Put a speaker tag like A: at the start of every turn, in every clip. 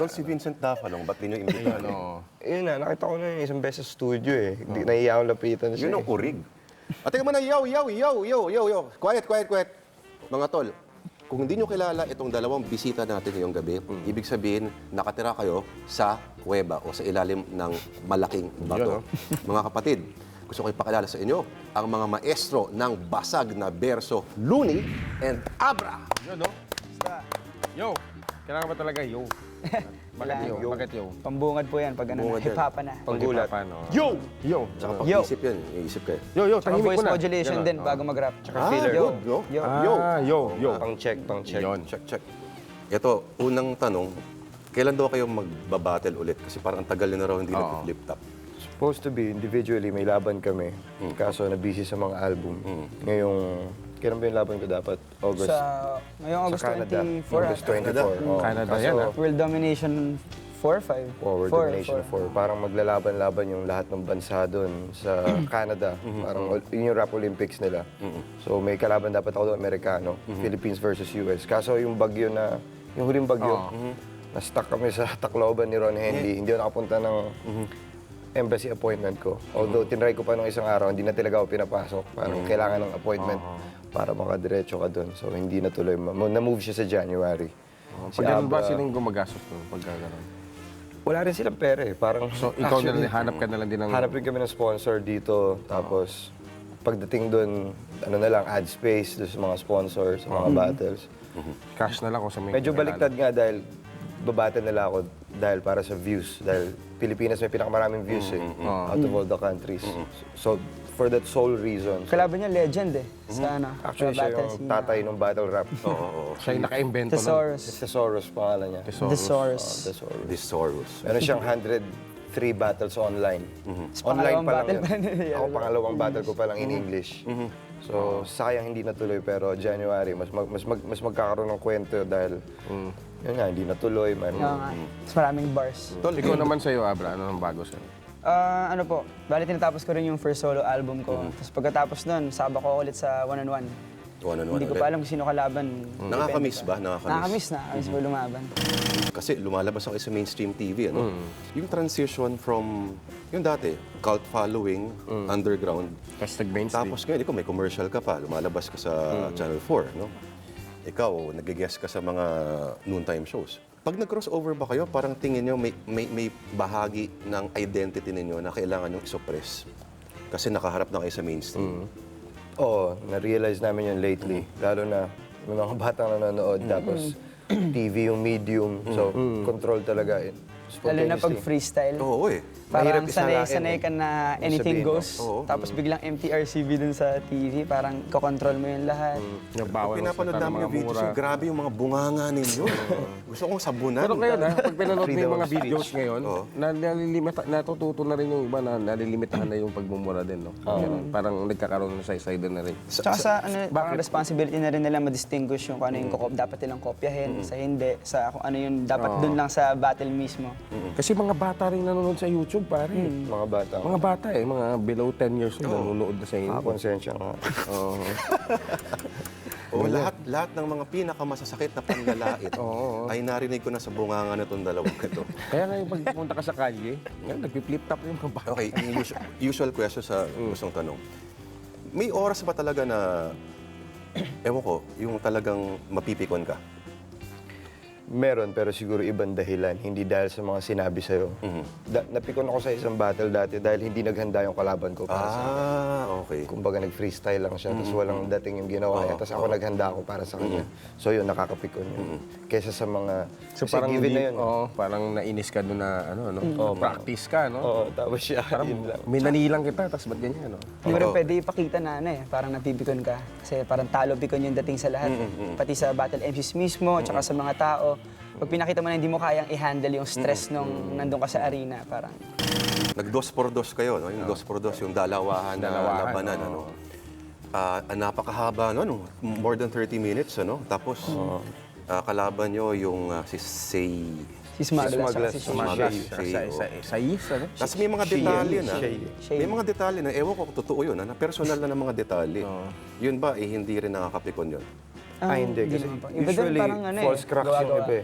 A: Idol si Vincent Dafalong, ba't di nyo imbitahan?
B: Yun na, nakita ko na yung isang beses sa studio eh. Hindi nahiya akong lapitan siya.
A: Yun ang kurig. At teka muna, yo. Quiet. Mga tol, kung hindi nyo kilala itong dalawang bisita natin ngayong gabi, ibig sabihin, nakatira kayo sa kuweba o sa ilalim ng malaking bato. Mga kapatid, gusto ko ipakilala sa inyo ang mga maestro ng basag na berso, Looney and Abra.
C: Yo, no? Yo! Kailangan ba talaga yo? Bakit yo? Bakit yo?
D: Pambungad po yan pag ano,
A: Pambungad yan.
D: hip-hopan na.
B: Panggulat.
C: Yo! Yo!
A: Tsaka
D: Yo.
A: pag-isip yan, iisip kayo.
C: Yo,
D: Tsaka
C: tahimik
D: voice
C: mo na.
D: modulation din bago mag-rap.
B: filler.
D: Yo.
A: Good, no?
D: Yo.
C: Yo.
B: Pang-check.
C: Yun.
A: Check. Ito, unang tanong, kailan daw kayo magbabattle ulit? Kasi parang ang tagal na raw hindi nag-flip top.
B: Supposed to be, individually, may laban kami. Kaso na-busy sa mga album. Ngayong, kailan ba yung laban ko dapat? August.
D: Ngayong August
B: Sa Canada.
D: 24.
B: August 24. Oo.
C: Canada
B: Kaso,
C: yan, ah.
D: World Domination 4, 5?
B: World Domination 4. Parang maglalaban-laban yung lahat ng bansa doon sa Canada. Parang yun yung Rap Olympics nila. So may kalaban dapat ako doon, Amerikano. Philippines versus US. Kaso yung bagyo na, yung huling bagyo, na-stuck kami sa Tacloban ni Ron Henley. Hindi ako nakapunta ng embassy appointment ko. Although tinry ko pa nung isang araw, hindi na talaga ako pinapasok. Parang kailangan ng appointment para makadiretso ka doon. So hindi natuloy. Na-move siya sa January.
C: Pag ganun ba silang gumagastos nun? Pag gano'n?
B: Wala rin silang pera eh. Parang,
C: So, ikaw na lang, hanap ka na lang din ng...
B: hanap rin kami ng sponsor dito. Tapos, pagdating doon, ano na lang, ad space doon sa mga sponsors, sa mga battles.
C: Cash na lang kung sa may...
B: Medyo baliktad nga dahil babattle nila ako dahil para sa views. Dahil Pilipinas may pinakamaraming views eh, out of all the countries. So, for that sole reason.
D: Kalaban niya legend eh. Sa ano,
B: Actually,
D: sa
B: siya
D: battle
B: yung
D: scene.
B: tatay ng battle rap.
C: Siya yung naka-invento nun.
D: Thesaurus.
B: Thesaurus pangalan niya.
D: Thesaurus.
B: Thesaurus.
A: Disorus.
B: Meron siyang 103 battles online. Online
D: pangalawang
B: pa lang
D: battle
B: yan.
D: pa nila.
B: Ako pangalawang battle ko pa lang in English. So sayang hindi natuloy pero January mas magkakaroon ng kwento dahil yun nga hindi natuloy man.
D: Oo nga. Mas maraming bars.
C: Tol, ikaw naman sa'yo, Abra, ano ang bago sa'yo?
D: Ano po, bali tinatapos ko rin yung first solo album ko. Tapos pagkatapos nun, saba ko ulit sa one-on-one.
A: One-on-one
D: Hindi ko
A: ulit.
D: pa alam kung sino kalaban.
A: Nakakamiss ba?
D: Nakakamiss po lumaban.
A: Kasi lumalabas ako sa mainstream TV, ano? Yung transition from, yung dati, cult following, underground,
C: Tapos nag-mainstream.
A: tapos ngayon, ikaw may commercial ka pa, lumalabas ka sa Channel 4, no? Ikaw, nag-guest ka sa mga noontime shows. Pag nag-crossover ba kayo, parang tingin nyo may bahagi ng identity ninyo na kailangan nyo isuppress kasi nakaharap na kayo sa mainstream.
B: Oo, na-realize namin yun lately. Lalo na yung mga batang nanonood tapos TV yung medium. So control talaga.
D: Lalo na pag freestyle.
A: Oo, eh.
D: Parang
B: Mahirap isalain
D: sanay
B: eh.
D: ka na anything
B: Sabihin mo.
D: goes.
A: Oo.
D: Tapos biglang MTRCB dun sa TV. Parang kokontrol mo yung lahat.
C: Nagbawal
A: Pag pinapanood namin yung videos, yung grabe yung mga bunganga ninyo. Gusto kong sabunan.
C: Pero ngayon, pag pinanood mo
B: Freedom
C: yung mga
B: of speech.
C: videos ngayon, natututo na rin yung iba na nalilimitahan na yung pagmumura din, no? Ganun. Parang nagkakaroon ng side na rin.
D: Tsaka sa parang responsibility na rin nila ma-distinguish yung kung ano yung dapat nilang kopyahin, sa hindi, sa kung ano yung dapat dun lang sa battle mismo.
C: Kasi mga bata rin nanonood sa YouTube, pare.
B: Mga bata.
C: Mga bata mga below 10 years old nanonood na sa inyo.
B: Konsensya nga.
A: O lahat ng mga pinakamasasakit na panlalait ay narinig ko na sa bunganga na itong dalawang ito.
C: Kaya ngayon pag pumunta ka sa kalye, nag-flip top yung mga bata.
A: Okay, yung usual question sa gustong tanong. May oras ba talaga na, ewan ko, yung talagang mapipikon ka?
B: Meron, pero siguro ibang dahilan. Hindi dahil sa mga sinabi sa'yo. Napikon ako sa isang battle dati dahil hindi naghanda yung kalaban ko para sa
A: Okay.
B: kumbaga nag-freestyle lang siya, tapos walang dating yung ginawa niya, tapos ako naghanda ako para sa kanya. So yun, nakakapikon yun. Kesa sa mga,
C: So
B: kasi
C: parang
B: given na
C: hindi,
B: yun.
C: parang nainis ka doon na practice ka, no?
B: Oo, tapos siya, yun lang.
C: Minanilang kita, tapos ba't ganyan, no?
D: Hindi mo rin pwede ipakita na parang napipikon ka. Kasi parang talo pikon yung dating sa lahat. Pati sa battle MCs mismo, tsaka sa mga tao. Pag pinakita mo na hindi mo kayang i-handle yung stress nung nandun ka sa arena, parang...
A: Nag-dos por dos kayo, no? Yung dos por dos, yung dalawahan na labanan, ano? Napakahaba, no? More than 30 minutes, ano? Tapos, kalaban nyo yung si Say...
D: Si Smuggler,
B: Smuggler.
D: si
A: Smuggler.
C: Sa is, ano?
A: Tapos may mga detalye na.
D: Shay.
A: May mga detalye na, ewan ko kung totoo yun, na personal na ng mga detalye. Yun ba, hindi rin nakakapikon yun?
B: Hindi. Kasi
D: naman po. Iba din
B: usually,
D: parang
B: false cracks yung
D: gawa-gawa.
B: iba eh.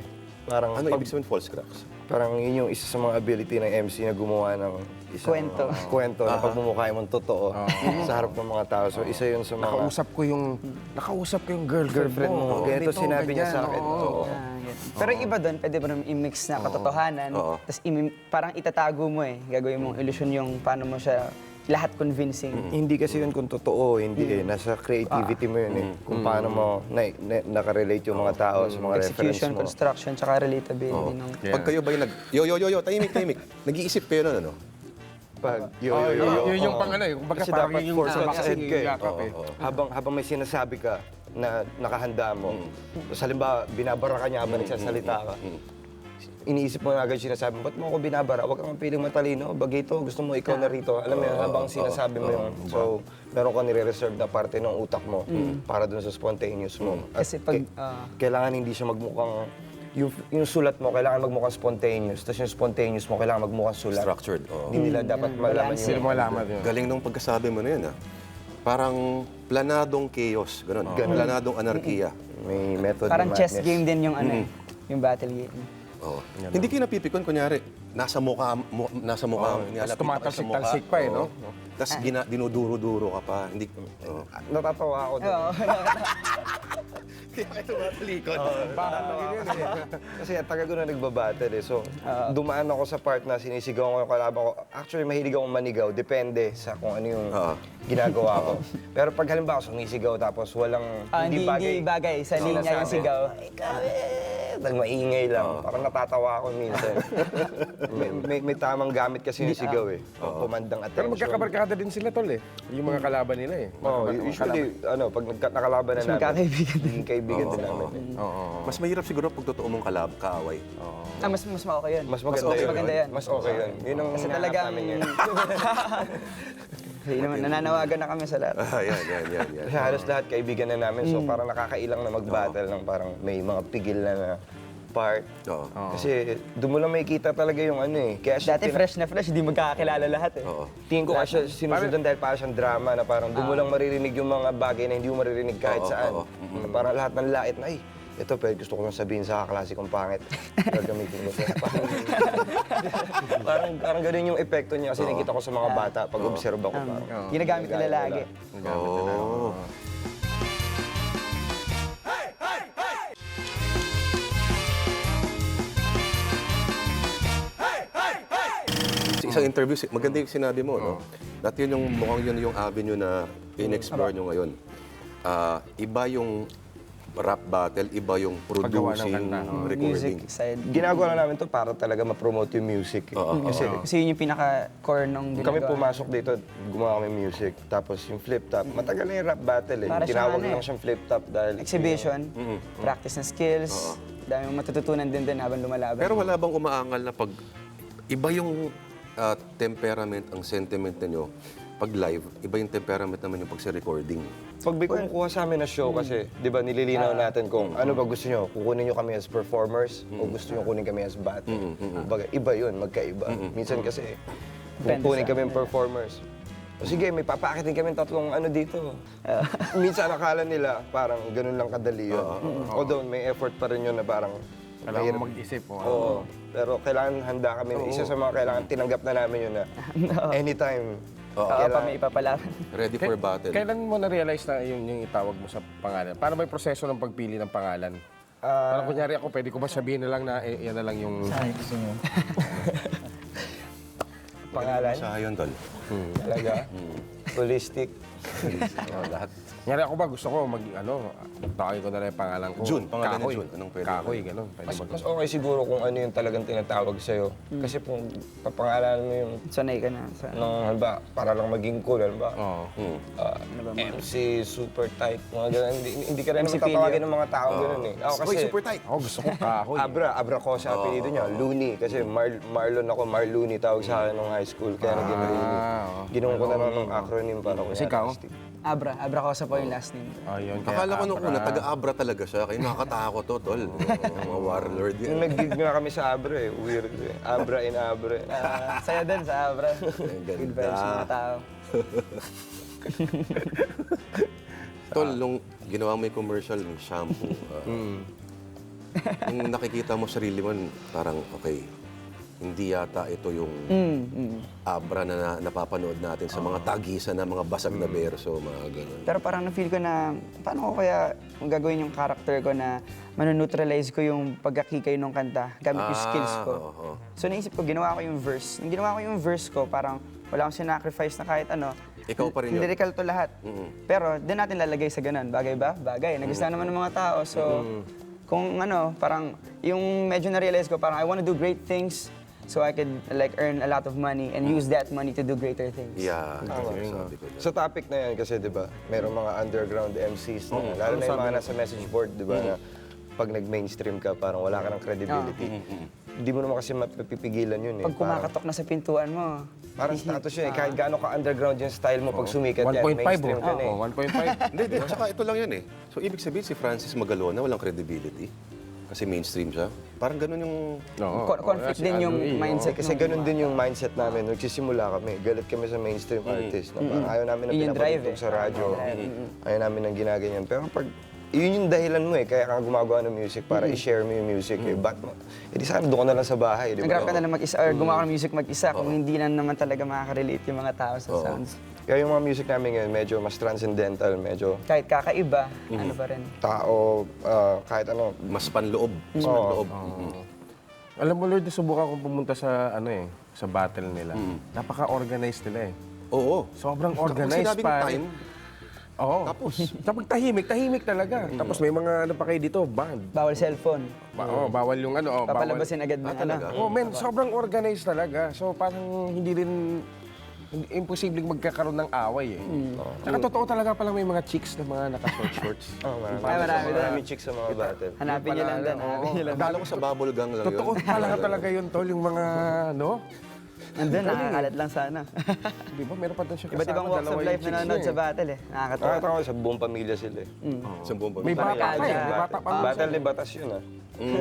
B: Parang,
A: Ano ibig sabihin false cracks?
B: parang yun yung isa sa mga ability ng MC na gumawa ng isang
D: Kwento.
B: na pagmumukha mong totoo sa harap ng mga tao. So isa yun sa mga
C: Nakausap ko yung girlfriend mo.
B: Ganito sinabi niya sa akin.
C: Oo.
D: Pero yung iba doon, pwede mo naman i-mix na katotohanan, tapos parang itatago mo gagawin mong illusion yung paano mo siya lahat convincing.
B: Hindi kasi yun kung totoo, hindi Nasa creativity mo yun Kung paano mo nakarelate yung mga tao sa mga reference
D: Execution,
B: mo.
D: construction, tsaka relatability ng...
A: Pag kayo ba yung tahimik. Nag-iisip kayo na, ano?
B: Pag
C: Yun yung pang ano eh. Kumbaga
B: Kasi
C: parang
B: dapat
C: yung
B: for
C: sa
B: success
C: boxing
B: ka
C: yung yakap eh.
B: Habang may sinasabi ka na nakahanda mo, sa halimbawa, binabara ka niya habang nagsasalita ka, iniisip mo na agad sinasabi mo, ba't mo ako binabara? Huwag kang piling matalino, bagito, gusto mo ikaw na rito. Alam mo yun, habang sinasabi mo yun. So, meron ka nire-reserve na parte ng utak mo para dun sa spontaneous mo. At
D: Kasi pag...
B: kailangan hindi siya magmukhang, yung sulat mo, kailangan magmukhang spontaneous. Tapos yung spontaneous mo, kailangan magmukhang sulat.
A: Structured.
B: Hindi nila dapat malaman
C: Hindi
B: yun.
C: mo alaman yun.
A: Galing nung pagkasabi mo na yun, Parang planadong chaos, ganun. Planadong anarkiya.
B: May method
D: Parang
B: na
D: chess
B: madness.
D: game din yung yung battle game.
A: Oo. Hindi kayo napipikon, kunyari, nasa mukha mo, nilalapit pa kayo sa mukha.
C: tumatalsik-talsik pa eh, no?
A: Tapos dinuduro-duro ka pa. Hindi,
B: Natatawa ako doon.
A: Kaya kayo tumatalikod.
B: Kasi tagal ko na nagbabattle eh. So, dumaan ako sa part na sinisigaw ko yung kalaban ko. Actually, mahilig akong manigaw. Depende sa kung ano yung ginagawa ko. Pero pag halimbawa sumisigaw tapos walang
D: Hindi bagay sa linya yung sigaw.
B: Dahil maingay lang. Parang natatawa ako minsan. may tamang gamit kasi yung sigaw eh. Kumandang
C: Pero
B: attention.
C: magkakabarkada din sila tol eh. Yung mga kalaban nila eh.
B: Usually, pag nakalaban na namin,
D: magkakaibigan
B: naging kaibigan din namin.
A: Mas mahirap siguro pag totoo mong kaaway.
D: Mas okay yun.
B: Mas maganda,
D: Mas
B: yun.
D: maganda yan.
B: Mas okay yun. Yun ang
D: Kasi
B: hinahanap
D: talagang...
B: namin yun.
D: Kasi naman, nananawagan na kami sa lahat.
A: Yan.
B: Kasi halos lahat kaibigan na namin, so parang nakakailang na mag-battle ng parang may mga pigil na part.
A: Oo.
B: Kasi doon mo lang makikita talaga yung ano eh. Kaya siya
D: Dati fresh na fresh, hindi magkakakilala lahat eh.
B: tingin ko kasi sinusundan dahil parang siyang drama na parang doon mo lang maririnig yung mga bagay na hindi mo maririnig kahit saan. Na parang lahat ng lait na, ay, ito pwede gusto ko lang sabihin sa kaklase kong pangit. Gagamitin mo siya. Parang ganun yung epekto niya kasi nakita ko sa mga bata pag observe ako parang.
D: Ginagamit nila lagi.
A: Oo. Sa isang interview, maganda yung sinabi mo, no? Dati yun yung mukhang yun yung avenue na in-explore nyo ngayon. Iba yung rap battle, iba yung producing,
C: kanta,
A: recording.
D: Music side.
B: Ginagawa lang namin to para talaga ma-promote yung music. Kasi
D: Kasi yun yung pinaka-core nung
B: kami
D: ginagawa.
B: pumasok dito, gumawa kami music. Tapos yung flip top, matagal na yung rap battle eh.
D: Para siyang
B: Tinawag
D: ano eh.
B: lang siyang flip top dahil...
D: Exhibition, practice ng skills, dami mong matututunan din habang lumalaban.
A: Pero wala bang umaangal na pag iba yung temperament, ang sentiment ninyo pag live, iba yung temperament naman yung pag sa recording.
B: Pag may kumukuha sa amin na show kasi, di ba, nililinaw natin kung ano ba gusto nyo. Kukunin nyo kami as performers o gusto nyo kunin kami as battle. Baga, iba yun, magkaiba. Minsan kasi,
D: Depende
B: kukunin
D: sa
B: kami yung performers. O sige, may papaakitin kami tatlong ano dito. Minsan akala nila parang ganun lang kadali yun. Although may effort pa rin yun na parang
C: Kailangan mo mag-isip.
B: Oo. Pero kailangan handa kami. Isa sa mga kailangan tinanggap na namin yun na anytime.
D: Pa may ipapalaban.
A: Ready for battle.
C: Kailan mo na-realize na yung itawag mo sa pangalan? Paano ba yung proseso ng pagpili ng pangalan? Parang kunyari ako, pwede ko ba sabihin na lang na yan na lang yung...
B: Pangalan?
A: Sa yun, tol.
B: Talaga? Holistic.
A: Lahat.
C: Kunyari ako ba, gusto ko tawagin ko na lang yung pangalan ko.
A: Jun, pangalan ni
C: Kahoy.
A: Jun. Anong pwede?
C: Kahoy, gano'n. Pwede
B: Mas,
C: ba?
B: mas okay siguro kung ano yung talagang tinatawag sa'yo. Kasi kung papangalanan mo yung
D: Sanay ka na.
B: halimbawa, para lang maging cool, halimbawa,
C: Oo.
B: MC, super tight, mga ganun. Hindi ka rin naman
D: MC Pilio.
B: tatawagin ng mga tao ganun eh. Ako kasi,
A: Uy, super tight.
C: Ako gusto ko kahoy.
B: Abra ko sa apelido niya, Looney. Kasi Marlon ako, Marlooney tawag sa akin nung high school. Kaya naging Looney. Ginawa ko na lang ng acronym para ko.
C: Kasi ikaw?
D: Abra Cosa po yung last name.
C: Ayun,
A: Akala ko nung una, taga-Abra talaga siya. Kaya nakakatakot to, tol. Mga warlord
B: Yung
A: yan.
B: nag-gig nga kami sa Abra eh. Weird eh. Abra in Abra.
D: Saya din sa Abra.
A: ganda.
D: Good vibes sa mga tao.
A: Tol, nung ginawa mo yung commercial ng shampoo, Kung nakikita mo sarili mo, parang, okay, hindi yata ito yung abra na napapanood natin sa mga tagisan na mga basag na berso, mga ganun.
D: Pero parang na-feel ko na, paano ko kaya gagawin yung character ko na manoneutralize ko yung pagkakikay ng kanta gamit yung skills ko.
A: Oo.
D: So naisip ko, ginawa ko yung verse. Nung ginawa ko yung verse ko, parang wala akong sinacrifice na kahit ano.
A: Ikaw pa rin yun.
D: Lyrical to lahat. Pero din natin lalagay sa ganun. Bagay ba? Bagay. Nagustuhan naman ng mga tao. So, kung ano, parang yung medyo na-realize ko, parang I want to do great things so I could like earn a lot of money and use that money to do greater things.
A: Yeah, sabi ko dyan.
B: Sa topic na yan kasi, di ba, merong mga underground MCs na, lalo na yung mga nasa message board, di ba, na pag nag-mainstream ka, parang wala ka ng credibility. Hindi mo naman kasi mapipigilan yun eh.
D: Pag kumakatok na sa pintuan mo,
B: Parang status yun eh, kahit gaano ka underground yung style mo, pag sumikat yan,
C: 1.5
B: mainstream ka na eh.
C: 1.5.
A: Hindi, tsaka ito lang yan eh. So, ibig sabihin si Francis Magalona walang credibility kasi mainstream siya. Parang ganun yung...
D: conflict din yung mindset.
B: Kasi ganun din yung mindset namin. Nagsisimula kami, galit kami sa mainstream artist. Na parang ayaw namin ng
D: Yun yung drive
B: pinapatugtog
D: eh.
B: sa radyo. Ayaw namin ng ginaganyan. Pero pag yun yung dahilan mo eh, kaya ka gumagawa ng music para i-share mo yung music eh. Ba't mo? Eh di sana doon ka na lang sa bahay, di ba?
D: Nag-rap ka na lang mag-isa or gumawa ka ng music mag-isa kung hindi na naman talaga makaka-relate yung mga tao sa sounds.
B: Kaya yung mga music namin ngayon, medyo mas transcendental, medyo
D: Kahit kakaiba, ano pa rin.
B: tao, kahit ano.
A: Mas panloob. Mas panloob.
C: Alam mo, Lord, subukan kong pumunta sa, sa battle nila. Napaka-organized nila eh.
A: Oo.
C: Sobrang
A: Kung
C: organized
A: sinabing
C: pa.
A: time,
C: Oo. Tapos tahimik talaga. Tapos may mga pa kayo dito, band.
D: Bawal cellphone.
C: Bawal yung bawal.
D: Papalabasin agad na
A: talaga?
C: Oh, men, sobrang organized talaga. So parang hindi imposibleng magkakaroon ng away eh. Saka totoo talaga palang may mga chicks na mga naka-shorts.
B: Marami chicks sa mga battle.
D: Hanapin niyo lang din. Hanapin niyo lang.
A: akala ko sa bubble gang lang
C: Totoo talaga yun, tol, yung mga,
D: Nandun, nakakalat lang sana.
C: Di ba? Meron pa doon siya kasama.
D: Iba't ibang walks
C: dalawa
D: of
C: yung
D: life
C: chicks
D: na nanonood
C: niya
D: sa battle eh. Nakakatawa.
B: Nakakatawa ko sa buong pamilya sila eh.
A: Sa buong
C: May
A: pamilya.
C: bata pa eh. May bata pa.
B: Battle ni Batas yun ah.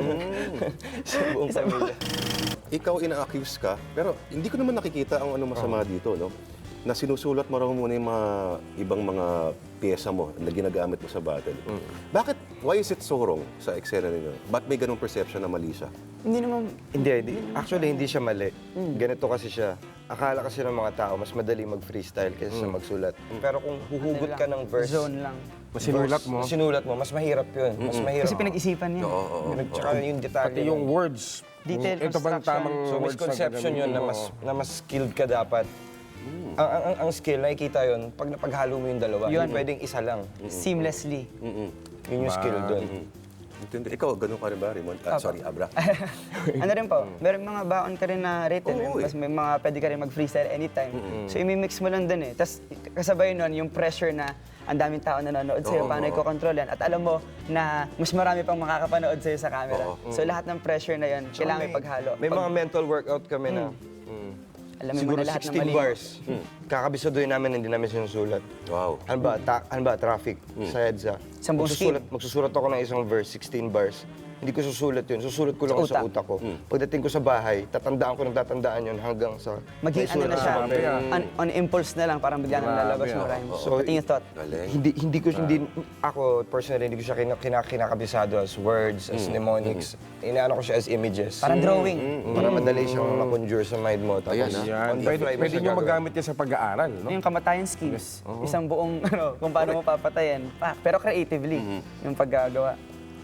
B: Sa buong pamilya.
A: Ikaw ina-accuse ka, pero hindi ko naman nakikita ang masama dito, no? Na sinusulat mo raw muna yung mga ibang mga pyesa mo na ginagamit mo sa battle. Bakit? Why is it so wrong sa eksena ninyo? Ba't may ganung perception na mali siya?
D: Hindi naman,
B: Actually, hindi siya mali. Ganito kasi siya. Akala kasi ng mga tao, mas madali mag-freestyle kaysa sa magsulat. Pero kung huhugot ka ng verse,
D: zone lang.
C: Sinulat mo.
B: mas mahirap yun. Mas mahirap.
D: Kasi pinag-isipan niya.
B: Tsaka yung detalye.
C: Pati yung words.
D: Detailed
C: Ito bang
D: construction.
C: tamang
B: So,
C: words
B: misconception yun na mas skilled ka dapat. Ang skill, nakikita yun, pag napaghalo mo yung dalawa,
D: Yun.
B: hindi pwedeng isa lang.
D: Seamlessly.
B: Yun yung skill doon.
A: Intindi. Ikaw, ganun ka rin ba, Raymond? Sorry, Abra.
D: Ano rin po, meron mga baon ka rin na written.
A: Oo,
D: Mas may mga pwede ka rin mag-freestyle anytime. So imimix mo lang dun eh. Tapos kasabay nun yung pressure na ang daming tao nanonood sa'yo, paano i-control yan. At alam mo na mas marami pang makakapanood sa'yo sa camera. So lahat ng pressure na yun, kailangan may paghalo.
B: May mga mental workout kami na
D: Alamin mo
B: siguro
D: na lahat ng
B: 16
D: mali.
B: bars. Kakabisaduhin namin, hindi namin sinusulat.
A: Wow.
B: Ano ba, traffic sa EDSA.
D: Isang buong
B: Magsusulat ako ng isang verse, 16 bars. Hindi ko susulat yun. Susulat ko lang sa utak ko. Pagdating ko sa bahay, tatandaan ko ng tatandaan yun hanggang sa...
D: Maging
B: may
D: ano
B: sulat
D: na
B: sa
D: siya,
B: papel.
D: on impulse na lang, parang bigla nang lalabas yung rhyme.
B: So,
D: Pati yung thought.
A: Galing.
B: Hindi ako personally hindi ko siya kinakabisado as words, as mnemonics. Inaano ko siya as images.
D: Parang drawing.
B: Para madali siyang ma-conjure sa mind mo. Tapos
A: Ayan,
C: Yan.
B: on the fly mo
C: Pwede
B: siya
C: nyo
B: gagawin.
C: magamit yan sa pag-aaral, no?
D: Yung kamatayan schemes. Isang buong, kung paano mo papatayin. Pero creatively, yung paggagawa.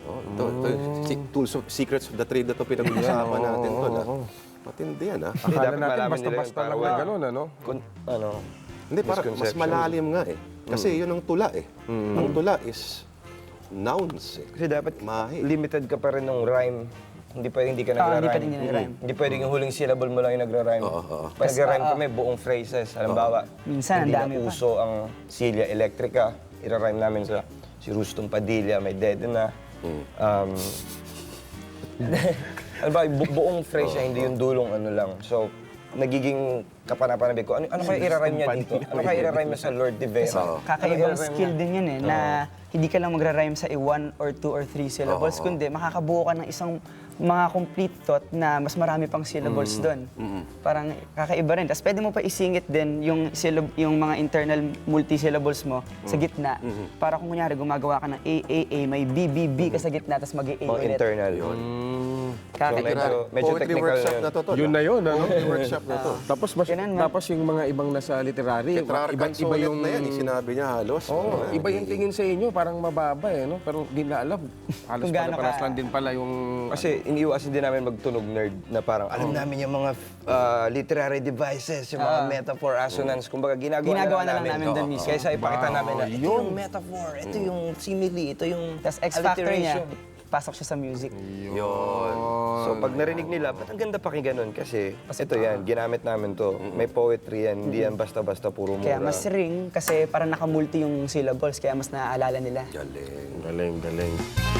A: Tools of secrets of the trade na ito pinag-uusapan natin to. Matindi yan, ha?
B: Hindi,
C: Akala
B: dapat
C: natin
B: malaman nila
C: basta-basta
B: yun
C: lang
B: para
C: na gano'n, ano?
A: Hindi, parang mas
B: misconception.
A: malalim nga eh. Kasi yun ang tula eh. Ang tula is nouns eh.
B: Kasi dapat
A: Mahi.
B: limited ka pa rin ng rhyme. Hindi pwedeng hindi ka
D: Hindi
B: nagra-rhyme.
D: pwedeng hindi nagra-rhyme.
B: Hindi pwedeng yung huling syllable mo lang yung nagra-rhyme. Pag nagra-rhyme kami, buong phrases. Halimbawa,
D: Minsan, ang
B: hindi
D: dami
B: na
D: pa.
B: uso ang Celia Electrica. Ira-rhyme namin sa si Rustong Padilla, may dead na. Halimbawa, buong phrase siya, hindi yung dulong ano lang. So, nagiging kapanapanabig ko. Ano kaya ira-rhyme niya dito? Ano kaya ira-rhyme niya sa Lord de Vera?
D: Kakaibang skill din yun eh, na hindi ka lang magra-rhyme sa 1 or 2 or 3 syllables, kundi makakabuo ka ng isang mga complete thought na mas marami pang syllables doon. Parang kakaiba rin. Tapos pwede mo pa isingit din yung mga internal multi-syllables mo sa gitna. Para kung kunyari gumagawa ka ng A, may B, B, B ka sa gitna, tapos mag-A
B: Mga
D: ulit.
B: internal.
D: Kakaiba.
B: medyo
A: Poetry
B: technical
A: workshop
B: yun.
A: na to, tol.
C: Yun na yun, ano?
A: Poetry workshop na to.
C: Tapos,
D: Ganun, ma'am.
C: tapos yung mga ibang nasa literary,
A: Tetrarchan
C: iba yung...
A: na yan, sinabi niya halos.
C: Oo, iba yung tingin sa inyo, parang mababa eh, no? Pero di na alam. Halos
D: Kung gaano
C: pala
D: ka-
C: lang din pala yung...
B: Kasi iniiwasan din namin magtunog nerd na parang alam namin yung mga literary devices, yung mga metaphor, assonance. Kumbaga ginagawa
D: na lang namin doon mismo.
B: Kaysa ipakita namin na ito
C: yun.
B: yung metaphor, ito yung simile, ito yung
D: Tapos X-factor niya,
B: alliteration.
D: pasok siya sa music.
A: Yun.
B: So pag narinig nila, ba't ang ganda pakinggan nun? Kasi ito yan, ginamit namin to. May poetry yan, hindi yan basta-basta puro mura.
D: Kaya mas ring kasi parang nakamulti yung syllables, kaya mas naaalala nila.
A: Galing.
C: Galing, galing.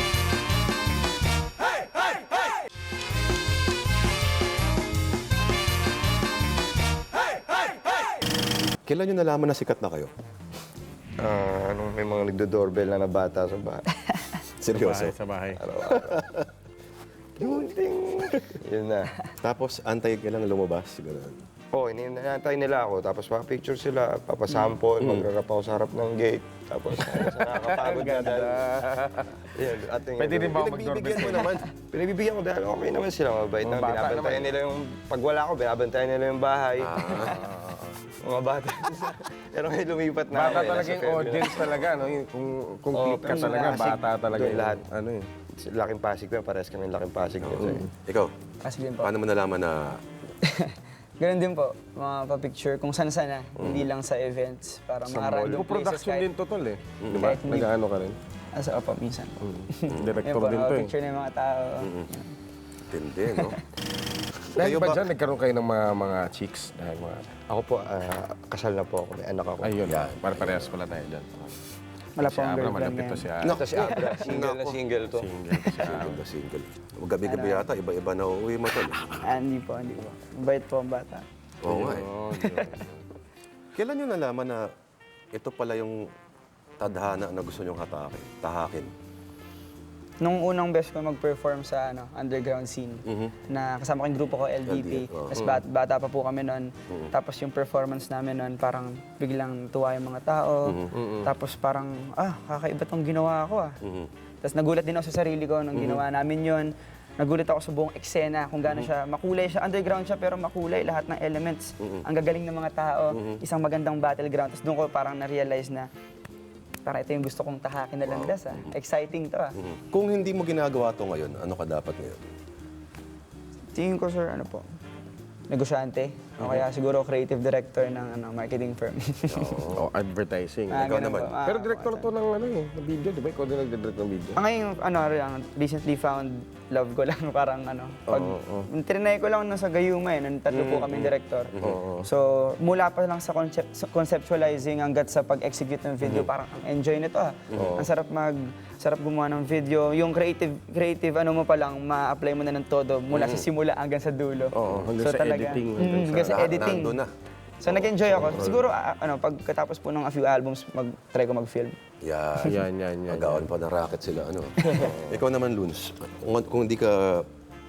A: Kailan nyo nalaman na sikat na kayo?
B: May mga nagdo-doorbell na bata sa bahay.
A: Seryoso?
C: Sa bahay.
B: Yun na.
A: Tapos, antay ka lang lumabas. Ganun.
B: Oo, inintay nila ako. Tapos picture sila, papasample, magrarap ako sa harap ng gate. Tapos nakakapagod na dahil... Yun, ating
C: Pwede rin ba ako
A: Pinagbibigyan
C: mag-doorbell?
A: mo naman.
B: Pinabibigyan ko dahil okay naman sila, mabait na.
C: Bata
B: Binabantayan
C: naman.
B: nila yung... Pag wala ako, binabantayan nila yung bahay. Mga bata. Pero ngayon lumipat na
C: Bata
B: ako,
C: talaga
B: nasa
C: yung
B: Fairview.
C: audience talaga, no? Yung, kung click ka talaga, bata talaga
B: Doon
C: yung
B: lahat.
C: ano eh.
B: Laking Pasig ko, parehas kami laking Pasig.
A: Ikaw,
D: Kasi din po.
A: paano mo nalaman na
D: Ganun din po, mga pa-picture kung saan-sana, hindi lang sa events. Parang mga random places
C: Production
D: kahit...
C: din to, tol eh. Di ba?
D: Kahit hindi-
C: Nag-ano ka rin.
D: Asa opo, minsan. Yan
C: Director
D: po,
C: din to eh.
D: picture ng mga tao.
A: tindi, no?
C: Dahil
A: Kayo
C: ba
A: ba-
C: dyan, nagkaroon kayo ng mga chicks? Dahil mga...
B: Ako po, kasal na po ako, may anak ako.
C: Ayun, para parehas pala tayo dyan.
D: Wala
C: Si
D: po ang
C: Abra,
D: girlfriend
C: malapit to
D: ngayon.
C: si Abra.
B: Ito si Abra, single na single to.
C: Single to si Abra.
A: Single na single. Gabi-gabi yata, iba-iba na uuwi mo tol.
D: Hindi po, hindi po. Bait po ang bata.
A: Oo nga eh.
C: Oo,
A: Kailan nyo nalaman na ito pala yung tadhana na gusto nyong tahakin?
D: Nung unang best ko mag-perform sa underground scene, na kasama ko yung grupo ko, LDP.
A: LDP, oo.
D: Tapos bata pa po kami noon. Tapos yung performance namin noon, parang biglang tuwa yung mga tao. Tapos parang, kakaiba tong ginawa ko ah. Tapos nagulat din ako sa sarili ko nung ginawa namin yon. Nagulat ako sa buong eksena kung gaano siya, makulay siya, underground siya pero makulay lahat ng elements. Ang gagaling ng mga tao, isang magandang battleground. Tapos doon ko parang na-realize na parang ito yung gusto kong tahakin na landas ah. Exciting to ah.
A: Kung hindi mo ginagawa to ngayon, ano ka dapat ngayon?
D: Tingin ko sir, ano po, negosyante. O kaya siguro creative director ng marketing firm.
C: Oh, advertising.
A: Ikaw
D: ganun
A: naman.
D: po.
C: Pero director to ng ano eh, ng video, di ba? Ikaw din nagdidirect ng video.
D: Ngayon, recently found love ko lang, parang pag trinay ko lang nasa Gayuma nung tatlo po kaming director. So, mula pa lang sa conceptualizing hanggat sa pag-execute ng video, parang ang enjoy nito ah. Ang sarap gumawa ng video. Yung creative mo pa lang, ma-apply mo na ng todo mula sa simula hanggang sa dulo.
C: Oo, hanggang sa editing,
D: Hanggang sa
A: Lahat
D: editing.
A: nandun na.
D: So, nag-enjoy ako. Siguro, pagkatapos po ng a few albums, mag-try ko mag-film.
A: Yan.
C: Yan.
A: Magawan pa ng racket sila. Ano? Ikaw naman, Luns. Kung hindi ka...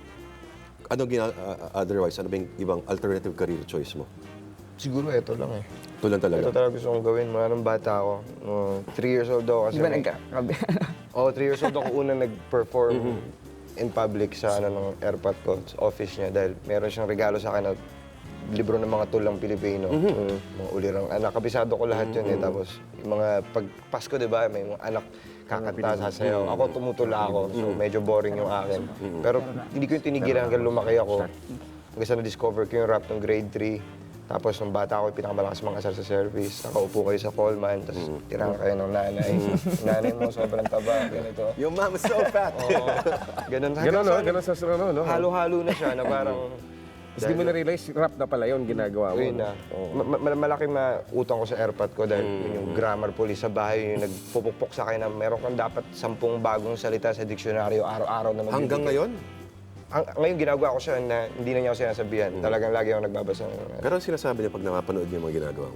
A: otherwise, ano ba yung ibang alternative career choice mo?
B: Siguro ito lang eh.
A: Ito lang talaga.
B: Ito talaga gusto kong gawin. Mula nung bata ako. 3 years old ako kasi...
D: Di ba nagkakabi?
B: 3 years old ako unang nag-perform in public sa ng airpot ko, sa office niya. Dahil meron siyang regalo sa akin na libro ng mga tulang Pilipino. Mga ulirang anak. Kabisado ko lahat yun eh. Tapos yung mga pag Pasko, di ba, may mga anak kakanta, sasayaw. Ako tumutula ako. So medyo boring yung akin. Pero hindi ko yung tinigilan hanggang lumaki ako. Hanggang sa na-discover ko yung rap ng grade 3. Tapos nung bata ako, yung pinakamalakas mga asar sa service. Nakaupo kayo sa Coleman, tapos tirahan kayo ng nanay. Nanay mo, sobrang taba, ganito.
A: Your mom is so fat.
B: Oo. Ganun.
C: Ganun, no? Ganun sa ano, no?
B: Halo-halo na siya na parang...
C: Tapos di mo na-realize, rap na pala yun, ginagawa mo.
B: Yun na. Malaking mautang ko sa airpot ko dahil yun yung grammar police sa bahay, yung nagpupukpok sa akin na meron kang dapat 10 bagong salita sa diksyonaryo araw-araw na magbibigay.
A: Hanggang ngayon?
B: Ngayon ginagawa ko siya na hindi na niya ako sinasabihan. Talagang lagi ako nagbabasa.
A: Pero ang sinasabi niya pag napapanood niya yung mga ginagawa mo.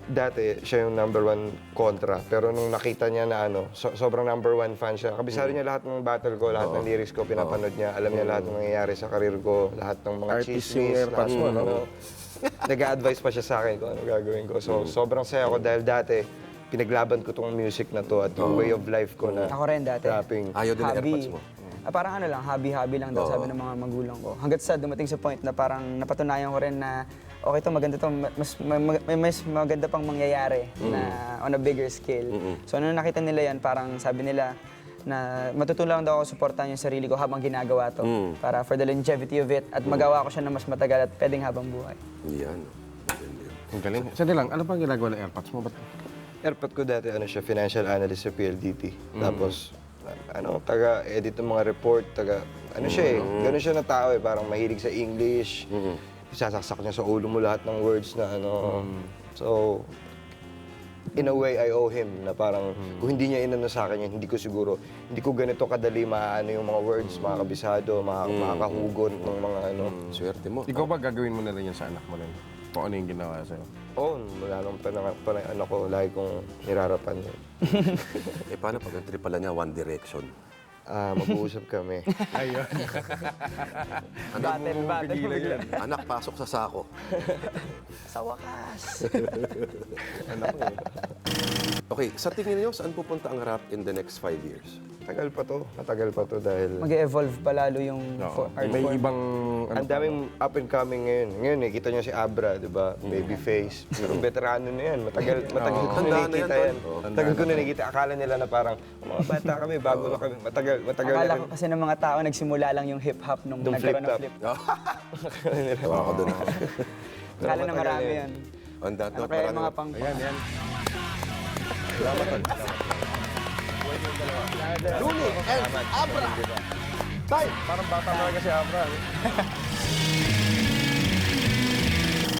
B: dati, siya yung number 1 kontra. Pero nung nakita niya na sobrang number 1 fan siya. Kabisado niya lahat ng battle ko, lahat ng lyrics ko, pinapanood niya. Alam niya lahat ng nangyayari sa karir ko, lahat ng mga
C: Artist
B: chismis.
C: yung AirPods mo,
B: lahat ng
C: no?
B: Nag-a-advise pa siya sa akin kung ano gagawin ko. So, sobrang saya ko dahil dati, pinaglaban ko tong music na to at yung way of life ko na
D: Ako rin dati.
B: rapping.
A: Ayaw din ng AirPods mo.
D: Parang ano lang, hobby-hobby lang daw, sabi ng mga magulang ko. Hanggat sa dumating sa point na parang napatunayan ko rin na okay to, maganda to, may mas maganda pang mangyayari na on a bigger scale. So nung nakita nila yan, parang sabi nila na matutulong daw ako suportahan yung sarili ko habang ginagawa to. Para for the longevity of it at magawa ko siya na mas matagal at pwedeng habang buhay.
A: Yan. Maganda yun.
C: Ang galing. Sandali lang, ano pang ginagawa ng AirPods mo?
B: Airpod ko dati, siya, financial analyst sa PLDT. Tapos, taga-edit ng mga report, siya gano'n siya na tao parang mahilig sa English. Sasaksak niya sa ulo mo lahat ng words na So, in a way, I owe him na parang kung hindi niya inano sa akin yan, hindi ko ganito kadali maano yung mga words, mga kabisado, makakahugot ng mga
A: Swerte mo.
C: Ikaw ba gagawin mo na rin yan sa anak mo rin? Kung ano yung ginawa sa'yo?
B: Oo, mula nung anak ko, lagi kong nirarapan yun.
A: Paano pag ang trip pala niya, One Direction?
B: Mag-uusap kami.
C: Ayun.
D: Battle bigla.
A: Anak, pasok sa sako.
D: Sa wakas.
A: Okay, sa tingin niyo, saan pupunta ang rap in the next 5 years?
B: Matagal pa to dahil
D: Mag-evolve pa lalo yung art
C: May
D: form.
C: ibang...
B: ang daming up and coming ngayon. Ngayon, kita niyo si Abra, di ba? Babyface. Pero veterano na yan. Matagal ko
A: Tandaan na
B: nakikita
A: yan,
B: yan.
A: tol.
B: Tagal ko na nakikita. Akala nila na parang, mga bata kami, bago na kami. Matagal na
D: Akala
B: rin.
D: ko kasi ng mga tao, nagsimula lang yung hip-hop nung
B: Nung
D: nagkaroon ng
B: flip-top.
D: flip.
A: Tawa ko doon.
D: Akala na marami yan.
A: On that
D: Ano
A: note,
D: kaya yung
A: maraming
D: mga pang...
C: Ayan, yan.
A: Luli and Abra! Time!
C: Parang bata talaga si Abra.